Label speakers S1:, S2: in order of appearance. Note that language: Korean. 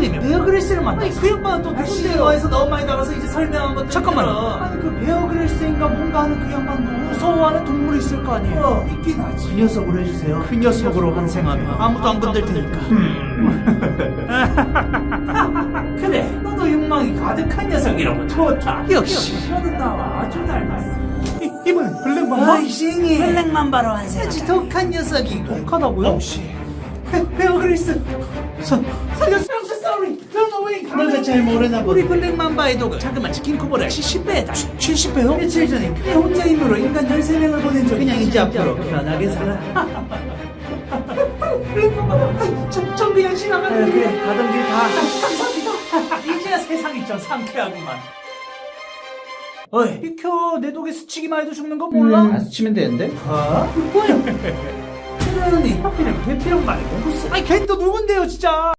S1: 형님이 베어 그릴스를 만났어.
S2: 아니 그 양반은 또
S1: 누군데요?
S2: 영화에서 너무 많이 나가서 이제 설명한 것도
S1: 잠깐만요.
S2: 아니 그 베어 그릴스인가 뭔가 하는 그 양반도
S1: 무서워하는 동물이 있을 거 아니에요.
S2: 있긴 하지.
S1: 그 녀석으로 해주세요. 그 녀석으로 환생하면 아무도 안 건들 테니까.
S2: 그래 너도 욕망이 가득한 녀석이라고. 좋다.
S1: 역시.
S2: 너는 나와 아주 닮았어.
S1: 이번엔 블랙맘바?
S2: 아이싱이
S1: 블랙맘바로 환생하자.
S2: 아주 독한 녀석이고.
S1: 독하다고요?
S2: 혹시 베어 그릴스 살렸어. sorry. Run away.
S1: 너가 잘 모르나 보네.
S2: 우리 블랙맘바의 독은 자그마한 킹코브라 70배다. 70배요? 며칠 전에 그의 혼자 힘으로 인간 13명을 보낸 적이.
S1: 그냥 이제 앞으로 편하게 살아.
S2: 블랙맘바 전 그냥 지나가는
S1: 그래, 가던 길 가.
S2: 감사합니다. 이제야 세상이 좀 상쾌하구만. 어이 비켜. 내 독에 스치기만 해도 죽는 거 몰라?
S1: 안 스치면 되는데?
S2: 아? 뭐야? 그러니 하필이면 대피형 말고 무슨. 아니 걘 또 누군데요 진짜.